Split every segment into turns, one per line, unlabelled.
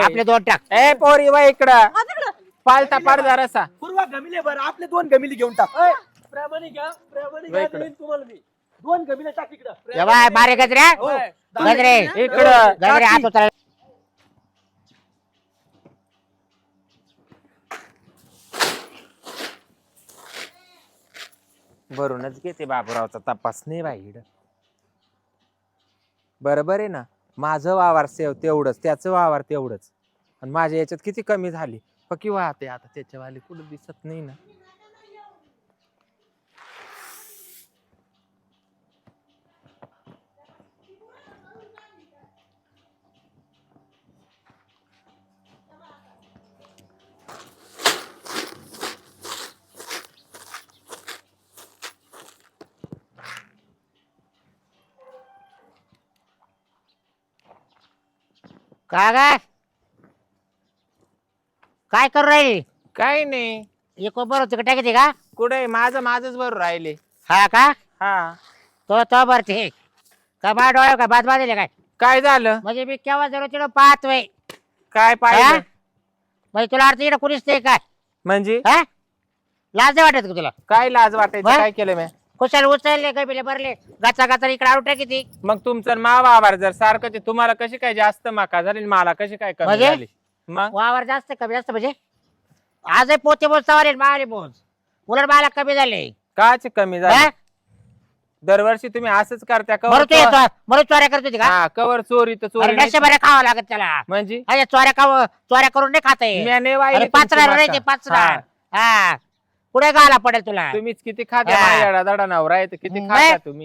आपले 2 टाक.
ए पोरी वा इकडं
हा, तिकडं.
पालता पाड जरासा
पूर्वा गमिले बरं आपले 2 गमिले घेऊन टाक प्रामाणिक घ्या देईन तुम्हाला मी 2 गमिले टाक इकडं
ये बाय बारे गजरे गजरे
इकडं
गजरे हात उचल.
भरूनच घेते बाबूरावचा तपास नाही बाई बरोबर आहे ना. माझं वावर तेवढंच त्याचं वावर तेवढंच आणि माझ्या याच्यात किती कमी झाली पक्की वाहते आता त्याच्यावाली कुठं दिसत नाही ना.
काय करू राहिली?
काही नाही
एक बरोबर तिकडे टाकते का?
कुठे माझंच बरोबर राहिले.
हा का?
हा
तो भरते का बा डोळ्या का बाद बांधले काय?
काय झालं
म्हणजे मी केव्हा जरूर तिकडं पाहतोय.
काय पाहिजे
म्हणजे तुला अर्थ इकडं कुणीच नाही काय?
म्हणजे
हा लाज नाही वाटत का तुला?
काय लाज वाटायचं
हा?
काय केलं मी
कुशाल उचलले गबिले भरले गाचा गाचा इकडे आउट किती
मग तुमचं वावर जर सारखं तुम्हाला कशी काय जास्त माका झाली मला कशी काय कमी
म्हणजे?
झाली मग
वावर जास्त कमी जास्त म्हणजे आजही पोते बोल सवारे माले बोल उलट मला कमी झाले.
काच कमी झाली दरवर्षी तुम्ही असंच करता
मरू तू येतो मरू चोऱ्या करत होती का?
हा कवर चोरी तर चोरी नाही.
बरे खावं लागत त्याला
म्हणजे
अरे चोऱ्या करून नाही खाता येत.
म्याने वाहिली
अरे
तुमची
पाचणार
माका.
नाही ते पाचणार.
हा.
हा पुढे गाला पडेल तुला.
तुम्हीच किती खाता
हा.
माझ्या दडा नवरा आहे तर किती
नाही.
खाता तुम्ही.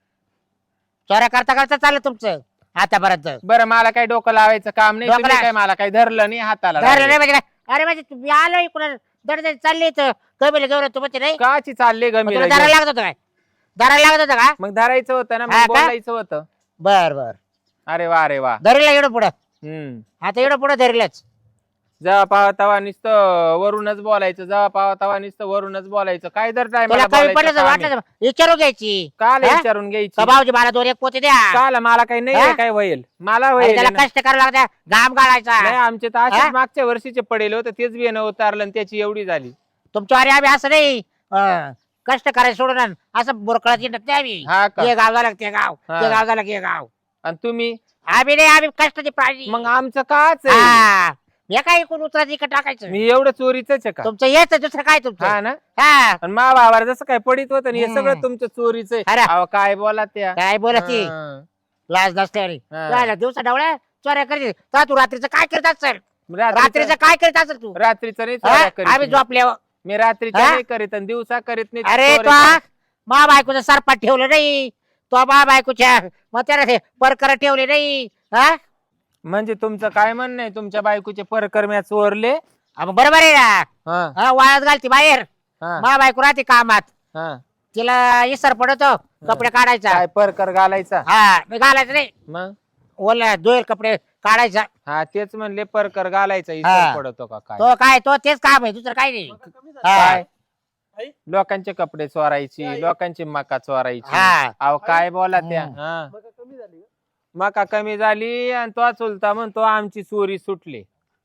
चोऱ्या करता करता चाललं तुमचं आतापर्यंत.
बरं मला काही डोकं लावायचं काम नाही
डोकं
तुम्ही
लाव.
काय मला काही धरलं नाही हाताला
धरलं
लागलं.
नाही म्हणजे काय? अरे म्हणजे तुम्ही आलो इकडून दड चालले तर कमी घेऊन तू म्हणजे नाही
काची चालले
मग
गमी
तुला धरायला लागत होतं काय? धरायला लागत होतं का?
मग धरायचं होतं ना
हा
मग
का?
बोलायचं होतं.
बर बर
अरे वा
धरीला एवढं पुढं
हम्म
आता एवढं पुढं धरलंच.
जेव्हा पावा तवा नुसतं वरूनच बोलायचं जेव्हा पावा तवा नुसतं वरूनच बोलायचं काय दर
तुला कमी पडलं तर वाटलं तर विचारू घ्यायची.
काल
हा?
विचारून घ्यायची
का भाऊजी मला 2 एक पोते द्या.
काल मला काही नाही
हा?
आहे, काय होईल मला
अरे
होईल
त्याला
ना.
कष्ट करावं लागतं घाम गाळायचा.
नाही आमचे तर
हा?
असेच मागच्या वर्षीचे पडेल होते तेच बियाणं उतारलं आणि त्याची एवढी झाली.
तुमच्या अरे आम्ही असं नाही कष्ट करायचं सोडून असं बुरकळत येत नाही आम्ही.
हा का
हे गाव झालं ते गाव
हा.
ते गाव झालं की हे गाव.
आणि तुम्ही
आम्ही नाही आम्ही कष्टाची प्राणी.
मग आमचं काच आहे
हा हे काय इकडून उतरायचं इकडे टाकायचं.
मी एवढं चोरीच आहे का
तुमचं येत दुसरं काय तुमचं.
हा ना
हा
आणि मा बाबार जसं काय पडित होतं ना, हे
हम्म.
सगळं तुमचं चोरीच आहे
अरे.
अहो, काय बोला त्या
काय बोलत ती
हा.
लाज नसते
हा.
दिवसा डावळ्या चोऱ्या करते तर तू रात्रीचं काय करत असेल?
रात्रीचं
रात्रीचं काय करत असेल तू?
रात्रीचं नाही
हा?
चोऱ्या करीत
आम्ही
मी.
झोपल्यावर
मी रात्रीचं
हा?
नाही करीत आणि दिवसा करीत नाही
अरे तो
चोऱ्या करीत.
मा बायकोचं सरपाट ठेवलं नाही तो मा बायकोच्या मग त्याला ते परकर ठेवले नाही. हा
म्हणजे तुमचं काय म्हणणं आहे तुमच्या बायकोचे परकर म्या चोरले
मग बरोबर आहे ना.
हा,
हा, वाळत घालती बाहेर
हा,
मा बायको राहते कामात
हा.
तिला इसर पडतो कपडे काढायचा.
काय परकर घालायचा
हा मी घालायचं नाही
मग
ओला धुईल कपडे काढायचा.
हा तेच म्हणले परकर घालायचा
हा.
इथं पडतो का काय
तो काय तो तेच काम आहे दुसरं काय नाही.
काय
आई?
लोकांचे कपडे चोरायची लोकांची मका चोरायची
हा
अहो काय बोला त्या
हम्म.
हा
मग कमी झाली का?
मका कमी झाली आणि तो चुलता म्हणतो आमची चोरी सुटली.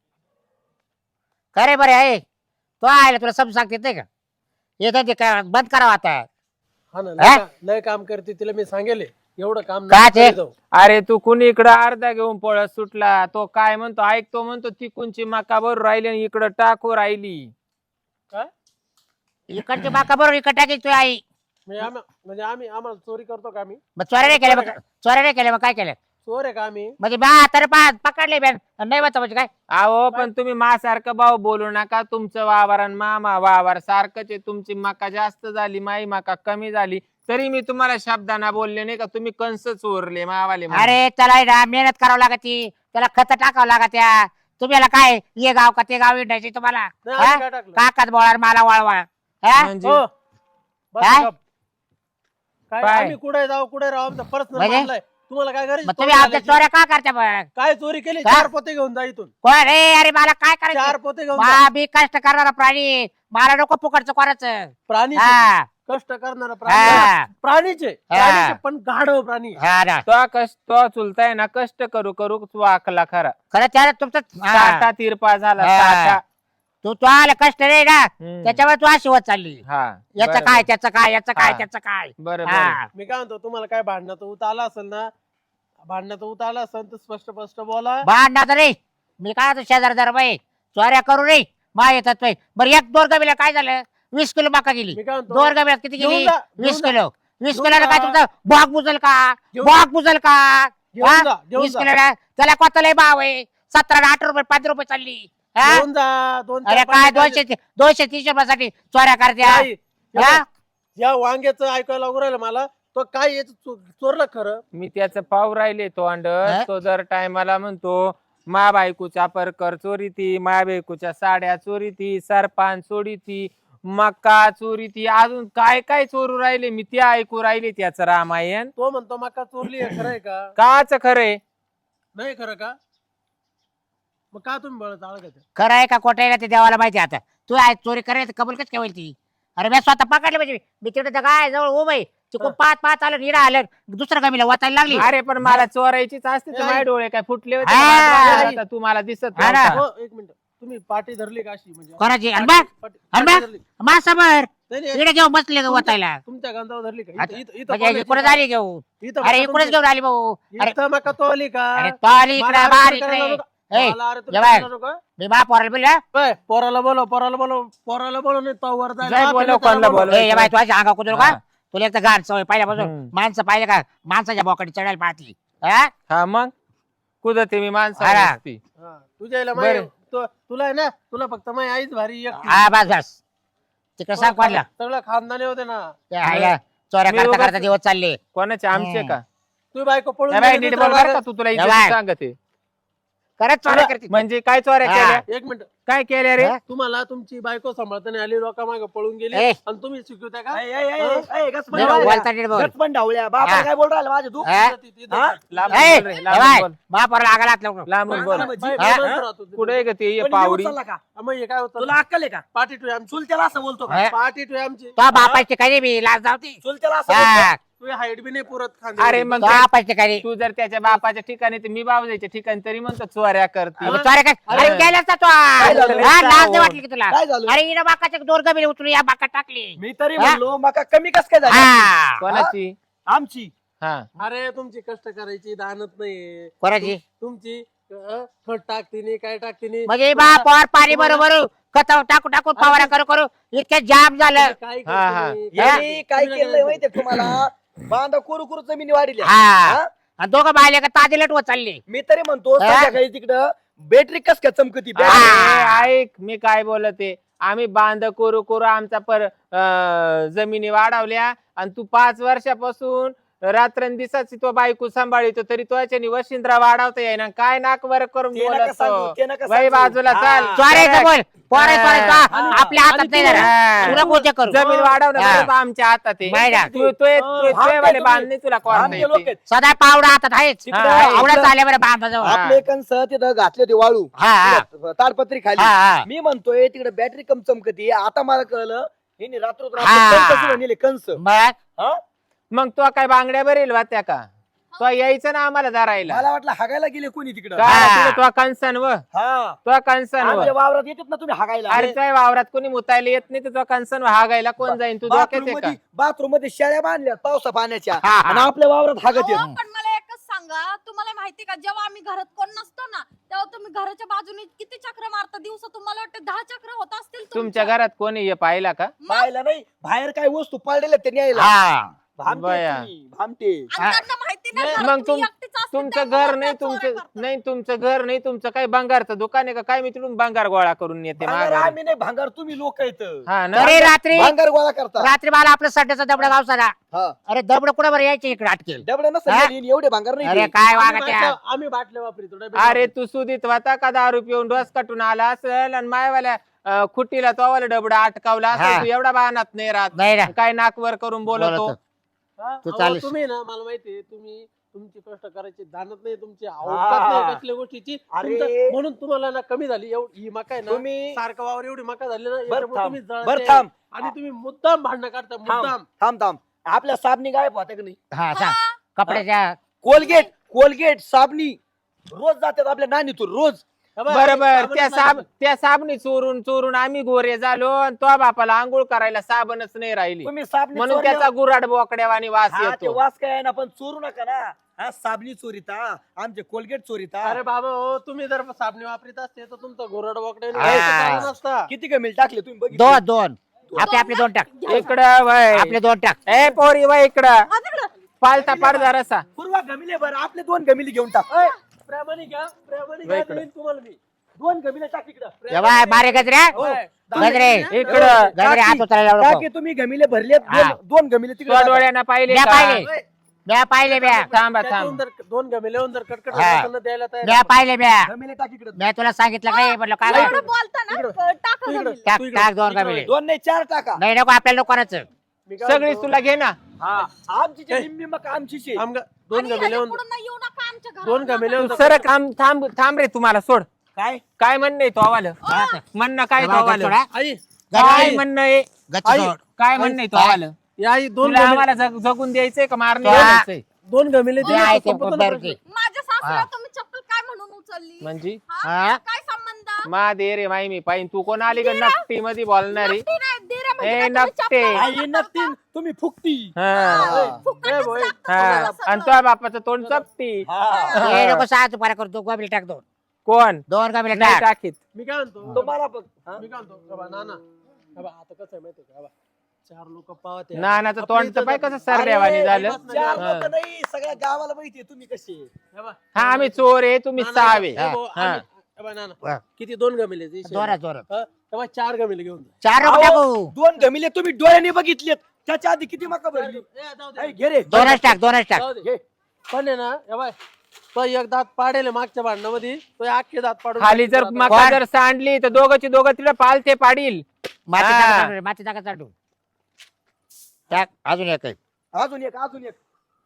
खरे बरे आहे तो आहे तुला समज सांगते नाही का येत ते काय बंद करावं आता.
हा ना
हा?
लय काम करते तिला मी सांगेल एवढं काम
का
नको
ते?
करीत जाऊ.
अरे तू कुणी इकडं अर्धा घेऊन पळत सुटला तो काय म्हणतो ऐकतो म्हणतो ती कोणची मका बरोबर राहिली आणि इकडं टाकू राहिली.
काय
इकडची बाका बरोबर इकडे टाकायची तुझी आई.
म्हणजे आम्हाला चोरी करतो का आम्ही
मग चोऱ्या नाही केल्या मग चोऱ्या नाही केल्या मग काय केलं
चोर आहे का आम्ही
म्हणजे बा तर पकडले बॅन नाही बघता म्हणजे काय.
अहो पण तुम्ही मासारखं भाऊ बोलू नका तुमचं वावर आणि मामा वावर सारखंच आहे. तुमची मका जास्त झाली माई मका कमी झाली तरी मी तुम्हाला शब्दांना बोलले नाही का तुम्ही कंस चोरले मावाले म्हणून.
अरे त्याला आहे ना मेहनत करावं लागती त्याला खत टाकावं लागत्या. तुम्ही याला काय ये गाव का ते गाव विटायचे तुम्हाला
नाही, आम्ही काय टाकलं?
काकात बोळा मला वळवा. हा?
म्हणजे
हो. बस
काय?
गप. काय
काय?
आम्ही कुठे जाऊ कुठे राहू आमचा पर्सनल
म्हणजे?
मामला आहे. तुम्हाला काय करायचं
मग तुम्ही आमच्या चोऱ्या का करता मग
काय चोरी केली
हा?
4 पोते घेऊन जा इथून
कोण रे अरे मला काय
4
करायचं
पोते घेऊन जा.
मा बी कष्ट करणारा प्राणी मला नको फुकटचं कोणाचं.
प्राणी
हा
कष्ट करणारा
हा.
प्राणीचे पण गाढव प्राणी
हा ना.
तो चुलताय ना कष्ट करू करू तू आखला खरा
खरं त्याला तुमचं
साठा तिरपा झाला
हा.
साठा.
तू आला कष्ट रे ना
हम्म.
त्याच्यामुळे तू अशी होत चालली
हा
याचं
बरं,
काय त्याचं काय याचं काय
हा.
त्याचं काय
बरं
हा.
बरं.
मी काय म्हणतो तुम्हाला काय भांडणाचं उत आला असेल ना भांडणाचं उत आला असेल तर स्पष्ट स्पष्ट बोला
भांडणार रे मी काय शेजार बाई चोऱ्या करू रे मा येतात बाई बरं एक दोन गमीला काय झालं 20 किलो मका गेली
मी काय म्हणतो
दोन गमीला किती
घेऊन
गेली
जा,
20
घेऊन
किलो 20
घेऊन
किलोला काय
जा.
तुमचं बॉग बुजल का
घेऊन
बॉग बुजल का
घेऊन
हा?
जा, घेऊन
20
जा.
किलोला त्याला कोताला भाव आहे 17 8 रुपये 5 रुपये चालली हा?
घेऊन जा 2
अरे काय 200 300 रुपयासाठी चोऱ्या करत्या हा?
या वांग्याचं ऐकायला लागू राहिलं मला तो काय याचं चोरलं खरं
मी त्याचं पाव राहिले तो अंड
हा?
तो दर टायमाला म्हणतो मा बायकोच्या परकर चोरी ती मा बायकोच्या साड्या चोरी ती सरपान चोरी ती मका चोरी ती अजून काय काय चोरू राहिले मी ते ऐकू राहिले त्याचं रामायण.
तो म्हणतो मका चोरली आहे खरंय का
काच खरे
नाही खरं का मग का तुम्ही बळ चाळ
खरं आहे का खोटं आहे ना ते देवाला माहिती आहे आता तू आहे चोरी करायला कबूल कच काय होईल ती अरे मी स्वतः पकडले म्हणजे मी तिकडे काय जवळ उभं आहे तिकडून पाच पाच आलं निरा आलं दुसऱ्या गमीला वाचायला लागली
अरे पण मला चोरायचीच असते तर माझे डोळे काय फुटले होते
हा.
का? आता तू मला दिसत
हा ना.
नव्हता.
एक मिनिट तुम्ही पाठी धरली का अशी म्हणजे
कोणाची आणि बघ
पाठी
आणि बघ
धरली.
मा समोर
नाही, नाही,
इकडे घेऊन बसले का वाचायला
तुमच्या गांजावर धरली का
अच्छा.
इथं- इथं
म्हणजे इकडे
कोणाची-
आली घेऊन
इथं
अरे
मका
इकडेच
तुमची-
घेऊन आली भाऊ अरे
इथं मका तो आली का
अरे तो आली
मला
इकडे
अरे
बाहेर
तुम्ही
इकडे
करायला नको.
ए,
मला अरे तुम्ही
ये बाय.
करायला नको.
मी बा पोराला बोलला
बाय, पोराला बोलो नाही तो वर जायला.
जाय
बाप
बोलव,
आहे,
कोणाला
त्याला बोलव.
बोलव.
ए बाय तू अशी अंगा कुदरू का
हा.
तुला एक तर गाड सवय पहिल्यापासून
हम्म.
माणसं पाहिलं का माणसाच्या बोकडी चढायला पाहती हा?
हा मग कुदते मी माणसं
अरे.
नसती.
हा, तुझ्या आईला
बरं.
तुला आहे ना तुला फक्त माझी आईच भारी एकटी.
हा बस बस तिकडे सांग कोणला
सगळं खानदानी होते ना
ते हायला चोऱ्या
मी
करता
उगाच-
करता दिवस चालले
कोणाचे आमचे
हम्म.
का
तू बायको पळून
ए बाई,
गेली
नीट
तर
बोल बरं का
मला-
तू तुला
ए
इज्जत
बाय.
सांगते
खरंच चोऱ्या करते
म्हणजे काय चोऱ्या
हा.
केल्या
एक मिनिट
काय केल्या रे
हा?
तुम्हाला तुमची बायको सांभाळताना आली लोकांमागे पळून गेली
ए.
आणि तुम्ही शिकवता का
नीट बोलता नीट बोल हा.
काय बोल राहिला माझे तू
हा?
हा?
लांबून
ए,
बोल रे,
ए
लांबून
बाय,
बोल.
महापौराला आगाला हात लावू नको.
लांबून बोल
हा?
कुठे ग ते
पण
पावरी
येऊन चालला का?
मग हे काय होतं
तुला अक्कल आहे का
पाठी टू आमची
चुलत्याला असं बोलतो का
हा?
पाठी टू आमची
तो बापाची काही बी लाज जावती
चुलत्याला असं बोलतो?
हा.
तुझी हाईट बी नाही पुरत
अरे मग
तो बापाची काही
तू जर त्याच्या बापाच्या ठिकाणी तर मी बाबाच्या ठिकाणी तरी म्हणतो चोऱ्या करते
मग?
चोऱ्या काय
अरे.
अरे गेलाच ना तो
काय झालं?
हा, लाज नाही वाटली की तुला
काय झालं
अरे इना बाकाच्या दोर गमीला उचलून या बाका टाकली
मी तरी
हा?
म्हणलो मका कमी कस काय झाली
हा
कोणाची
आमची
हा
अरे तुमची कष्ट करायची दानत नाही
कोणाची
तुमची खत टाकते नाही काय टाकते नाही
म्हणजे बापावर पाणी बरोबर खत टाकू टाकू फवारा करू करू इतक्या जाम झालं
काय
हा, हा.
करते
यांनी काय केलंय माहितीये का तुम्हाला बांधा कुरू कुरू जमिनी वाढली
हा आणि दोघं बायले का ताजे लटवत चालले
मी तरी म्हणतो
हा?
संध्याकाळी तिकडं बॅटरी कस काय चमकती
हा.
अरे, ऐक मी काय बोलते आम्ही बांध करू करू आमचा जमिनी वाढवल्या आणि तू 5 वर्षापासून रात्रंदिवसाची तो बायको सांभाळतो तरी तो याच्यानी वशिंद्रा वाढवता येईना काय नाक वर करून
ते नका सांगू,
बोलतो
ते नका
बाई
सांगू.
बाजूला
हा.
चाल
चोरायचं बोल पोरायचं
हा.
चोरायचं
आणि-
आपल्या हातात
आणि
नाही
तू-
जरा तुला गोष्ट करू
जमीन वाढवणं
हा.
बरोबर आमच्या हातात आहे
माहिती आहे.
वाले बांध नाही तुला कोण
आमचे लोक आहेत.
सदा पावडा हातात आहेच
तिकडं
हा,
आवडत
आपलं-
आल्या बरं बांधाजवळ
हा.
आपले कंस तिथं घातले होते वाळू
हा, हा.
तिकडं ताडपत्री खाली
हा, हा.
मी म्हणतोय तिकडे बॅटरी कम चमकती आता मला कळलं हिने रात्र
हा.
नेले कंस
मग
हा?
मग तो काय बांगड्या बरेल वात्या का तो यायचं ना आम्हाला धरायला
मला वाटलं हागायला गेले कोणी तिकडं
हा.
तो कंसन व
हा
तो कंसन
आमच्या
व
वावरात येतात ना तुम्ही हागायला
अरे काय वावरात कोणी मुतायला येत नाही तर तो कंसन हागायला कोण जाईन तू डोक्यात आहे का
बाथरूम मध्ये शेळ्या बांधल्या पावसा पाण्याच्या
हा, हा.
आणि आपल्या वावरात हागत येत
अहो, पण मला एकच सांगा तुम्हाला माहिती का जेव्हा आम्ही घरात कोण नसतो ना तेव्हा तुम्ही घराच्या बाजूने किती चक्र मारता दिवसा तुम्हाला वाटतं 10 चक्र होत असतील
तुमच्या घरात कोणी हे पाहिला का
पाहिला नाही बाहेर काय वस्तू पडलेल्या ते न्यायला
हा
भामटे
बया.
तुम्ही, भामटे
हा.
त्यांना माहिती नाही
मग
घरात तुम्ही
तुम-
एकटीच असते,
तुमचं
त्यामुळे
घर नाही
त्या चोऱ्या
तुमचं
करतात.
नाही तुमचं घर नाही तुमचं काय भंगारचं दुकान आहे का काय मी तिकडून भंगार गोळा करून येते
भांगार
माघारी.
आम्ही नाही भांगार तुम्ही लोक येत
हा ना
अरे रात्री
भांगार गोळा करता
रात्री मला आपलं सड्याचा दबडा गाव सारा
हा
अरे दबड कुठं बरं यायचे इकडे अटकेल
डबडे
हा?
नसतं एवढे भांगार नाही
अरे
ते.
काय
आम्ही
वागा त्या
बाटल्या- आम्ही बाटल्या वापरतो डबे
अरे
वापरतो.
तू सुधीत होता का दारू पिऊन डोस कटून आला असेल आणि मायवाल्या खुटीला तोवाला डबडा अटकावला
हा.
असेल तू एवढा बाणात नाही राहत
नाही ना
काय नाकवर करून बोलतो
बोलतो.
हा?
तू
अहो,
चालीस.
तुम्ही ना मला माहितीये तुम्ही तुमची कष्ट करायची जाणत नाही, तुमची अवकात नाही कसल्या गोष्टीची. म्हणून तुम्हाला ना कमी झाली ही मका आहे ना,
तुम्ही
सारखं वावर एवढी मका झाली ना,
बर
याच्यामुळे
थांब
तुम्ही
बर
जळते.
थांब
आणि तुम्ही मुद्दाम भांडणं काढता, मुद्दाम.
थांब थांब आपल्या साबणी गायब होत्या का नाही?
हा सांग कपड्याच्या
कोलगेट साबणी रोज जातात आपल्या नानीतून रोज.
बरोबर. त्या साबणी चोरून चोरून आम्ही गोरे झालो आणि तो बापाला आंघोळ करायला साबणच नाही राहिली,
तुम्ही साबणी
म्हणून
चोरल्यावर-
त्याचा गुराड बोकड्यावानी वास
हा, ते
येतो.
वास काय आहे ना, पण चोरू नका ना. हा साबणी चोरीता, आमचे कोलगेट चोरीता.
अरे बाबा हो, तुम्ही जर साबणी वापरीत असते तर तुमचं गोरड बोकडे
हा.
नसता.
किती कमी टाकले तुम्ही बघितले?
दोन आपले दोन टाक
इकडं वय
आपले दोन टाक
ए पोरी वय इकडं
हा, तिकडं.
पालता पाडदा रसा.
पूर्वा गमिले बरं आपले 2 गमिले घेऊन टाक.
प्रामाणिक घ्या, प्रामाणिक
वय
घ्या,
इकडं.
देईन तुम्हाला मी 2 गमिले टाक इकडं.
ए बाय मारे गजरे गजरे
इकडं
गजरे हात उचलायला लावू
टाके
नको.
तुम्ही गमिले भरले
हा.
2 गमिले
तो
तिकडे टाका.
डोळ्यानं पाहिले
म्या
का?
पाहिले म्या पाहिले म्या
थांबा
त्याच्याहून
थांब.
जर 2 गमिले जर कटकट
हा.
लोकांना द्यायला तयार
म्या पाहिले म्या
गमिले टाक इकडे.
म्या तुला सांगितलं काय म्हटलं काय
एवढं बोलता ना, टाका
इकडं.
जमिनीला.
टाक
तू इकडं.
टाक दोन
इकडं
गमिले
2 नाही 4 टाका.
नाही नको आपल्याला कोणाचं
मी काय
सगळीच
म्हणतो,
तुला घे ना.
आमची जी निम्मी मका आमचीच आहे.
आमगा 2
आणि
गमिले
ह्याच्यापुढं नाही येऊ नका आमच्या घरात.
2 गमिले
सर थांब थांब थांब रे, तुम्हाला सोड.
काय
काय म्हणणं तो आवाल म्हणणं काय तो आवाल
आई
काय म्हणणं आहे
गच्ची सोड.
काय म्हणणं आहे तो आवाल
या आई 2
तुला आम्हाला जगून द्यायचंय का मारणं
हा.
द्यायचंय?
2 गमिले
जे आहे ते
संपत ना
बरकी.
माझ्या सासूला
हा.
तुम्ही चप्पल काय म्हणून उचलली?
म्हणजे
हा?
हा?
काय संबंध?
मा दे रे माई मी पाहिन तू कोण आली का नक्टी मध्ये बोलणारी?
नक्की नाही, दिरा म्हणजे
ए,
काय तुम्ही
नक्की.
चप्पल
आई
घालता?
नक्की तुम्ही फुकती.
हा.
फुकटच
ए, बोय.
लागतं
हा.
तुम्हाला
आणि
सगळं.
तो बापाचं तोंड चपटी.
ए नको सहा तू पारा करतो गमिले टाक
कोण
दोन गमिले
नाही
टाक
टाकीत.
मी काय म्हणतो
तुम्हाला बघ हा?
मी काय म्हणतो बाबा नाना बाबा आता कसं आहे माहितीये का बाबा 4 लोक पाहत आहे.
नानाचं
आपली
तोंड तर
इज्जत
पाय
जाते.
कसं सरड्यावानी
अरे,
झालं.
4
हा.
लोकं नाही सगळ्या गावाला माहितीये तुम्ही कसे.
हे बघ,
हा आम्ही चोर आहे, तुम्ही
नाना,
सहावे.
हे बघ,
हा.
आम्ही- हे बघ, नाना
हा.
किती 2 गमिले
जोरात जोरात
4 गमिले घेऊन जा.
चार नको
अहो,
टाकू
2 गमिले तुम्ही डोळ्याने बघितलेत. त्याच्या आधी किती मका भरली.
जाऊ दे.
आई, घे रे
दोनच टाक
जाऊ दे. पण आहे ना हे बाय तो एक दात पाडेल मागच्या भांडणामध्ये तो अख्खे दात पाडून
खाली जर
टाकतो.
मका जर सांडली तर दोघंची दोघं तिला पालते पाडील.
माती
हा.
टाका चालू, माती टाका चालू टाक अजून एक आहे.
अजून एक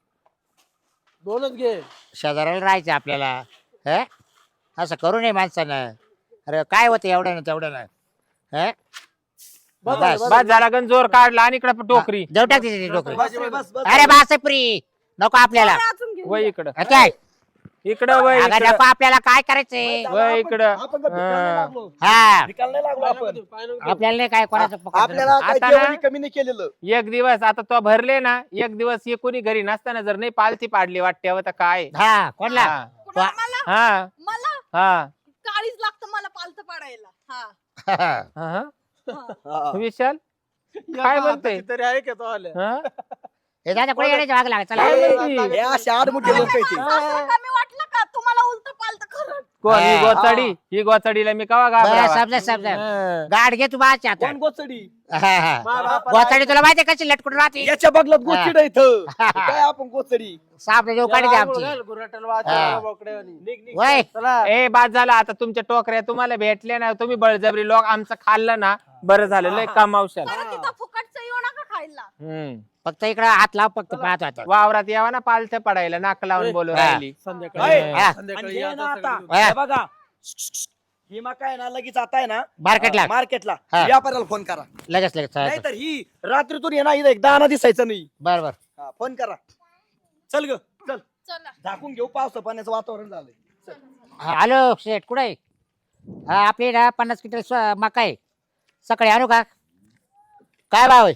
2च घे.
शेजाऱ्याला राहायचं आपल्याला हे असं करू नये माणसानं. अरे काय होतं एवढं ना तेवढं ना हे
बस,
बस.
बस.
बस झाला गण जोर काढला आणि इकडे टोकरी.
देऊ टाक तिची डोकरी
बस रे, बस बस
अरे बासप्री नको आपल्याला
अरे, अजून घेऊन
वय इकडं
काय
इकडं वय
अगं
इकडं.
नको आपल्याला काय करायचंय
वय इकडं.
आपण का भिकायला नाही लागलो.
हा
भिकायला नाही लागलो आपण.
पाय नको देऊ.
आपल्याला नाही काय कोणाचं पकडलं.
आपल्याला काय
आता ना-
जेवणी कमी नाही केलेलं.
एक दिवस आता तो भरले ना, एक दिवस हे कोणी घरी नसताना जर नाही पालती पाडली वाटते तर काय.
हा कोणला
हा
कुणाला? मला
हा
मला
हा.
काळीच लागतं मला पालतं पाडायला. हा
हा.
हा.
हा.
विशाल
या
काय
बा,
बोलतोय?
आता तरी आहे का तो आले
हा?
हे दादा कोणी येण्याच्या भाग लागला चला
काय
ए,
म्हणती?
हे असे आडमुठे लोक आहेत ते.
सासूला कमी वाटलं का तुम्हाला उलट पालतं खरं?
कोण ही
हा.
गोचडी? ही गोचडीला मी कवा
बरं
घाबरावा?
समजा समजा
हा.
गाड घे तू बाच्या आता
कोण गोचडी
गोचाडी तुला माहिती कशी लटकून राहते
याच्या बगलात गोचिड इथं काय आपण गोचडी.
सापडे देऊ काढते आमची हा.
निघ.
वय
चला
ए बाद झाला आता तुमच्या टोकऱ्या तुम्हाला भेटल्या ना, तुम्ही बळजबरी लोक आमचं खाल्लं ना, बरं झालं लय कमावशाल.
परत तिथं फुकटचं येऊ नका खायला.
हम्म.
फक्त इकडे हात लाव फक्त पाहतो आता
वावरात यावा ना पालथं पडायला, नाक लावून बोलू
हा.
राहिली.
संध्याकाळी
ए,
हा.
संध्याकाळी
आणि हे
या
ना
आता
आता
सगळी.
हा.
हे बघा ही मका आहे ना लगेच आता आहे ना
मार्केटला
मार्केटला
हा.
व्यापाऱ्याला फोन करा.
लगेच लगेच
नाही तर ही रात्रीतून येणार इथं एक दाना दिसायचं नाही.
बर बर
हा, फोन करा. चल ग चल
चला
झाकून घेऊ पावसा पाण्याचं वातावरण झालंय. चल.
हॅलो शेठ कुठे आहे हा आपली ना 50 क्विंटल मका आहे सकाळी आणू का काय भाव आहे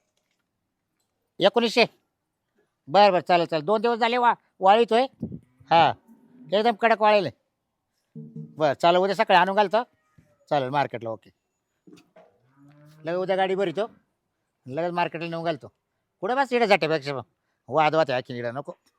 1900 बर बर चालेल चालेल 2 दिवस झाले वाळीतोय हा एकदम कडक वाळेल बर चालेल उद्या सकाळी आणून घालतो चालेल मार्केटला ओके लगेच उद्या गाडी भरितो लगेच मार्केटला नेऊन घालतो कुठे बस इकडे जाते पेक्षा वाद वाद आहे की नको